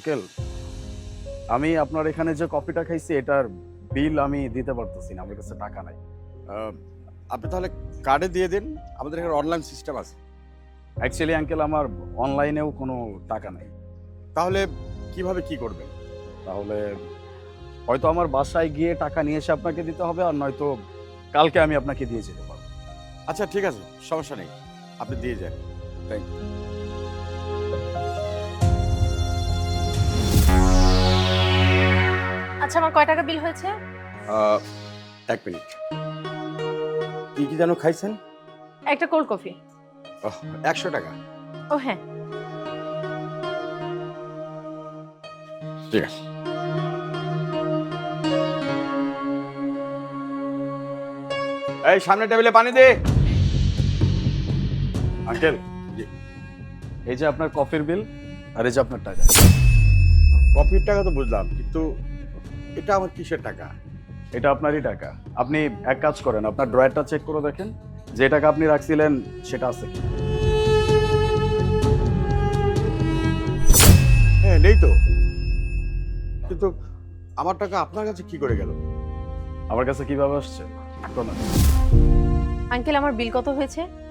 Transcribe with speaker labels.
Speaker 1: Uncle, আমি আপনার এখানে যে কফিটা খাইছি এটার বিল আমি দিতে পারতেছি না, আমার কাছে টাকা নাই।
Speaker 2: আহ, আপনি তাহলে কার্ডে দিয়ে দিন, আমাদের এখানে অনলাইন সিস্টেম আছে।
Speaker 1: অ্যাকচুয়ালি আঙ্কেল আমার অনলাইনেও কোনো টাকা নাই।
Speaker 2: তাহলে কিভাবে কি করবেন?
Speaker 1: তাহলে হয়তো আমার বাসায় গিয়ে টাকা নিয়ে এসে আপনাকে দিতে হবে, আর নয়তো কালকে আমি আপনাকে দিয়ে যেতে পারবো।
Speaker 2: আচ্ছা ঠিক আছে, সমস্যা নেই, আপনি দিয়ে যান।
Speaker 1: Thank you.
Speaker 3: আচ্ছা, আমার কয় টাকা বিল হয়েছে?
Speaker 2: এক মিনিট, কি কি যেন খাইছেন?
Speaker 3: একটা কোল্ড কফি।
Speaker 2: 100 টাকা।
Speaker 3: ও হ্যাঁ।
Speaker 2: ঠিক আছে। এই সামনে টেবিলে পানি দে।
Speaker 1: আঙ্কেল, এই যে আপনার কফির বিল, আর এই যে আপনার টাকা।
Speaker 2: কফির টাকা তো বুঝলাম, কিন্তু এটা আমার কিসের টাকা?
Speaker 1: এটা আপনারই টাকা। আপনি এক কাজ করেন, আপনার ড্রয়ারটা চেক করে দেখেন যে টাকা আপনি রাখছিলেন সেটা আছে কি।
Speaker 2: হ্যাঁ নেই তো, কিন্তু আমার টাকা আপনার কাছে কি করে গেল?
Speaker 1: আমার কাছে কিভাবে আসছে?
Speaker 3: আঙ্কেল, আমার বিল কত হয়েছে?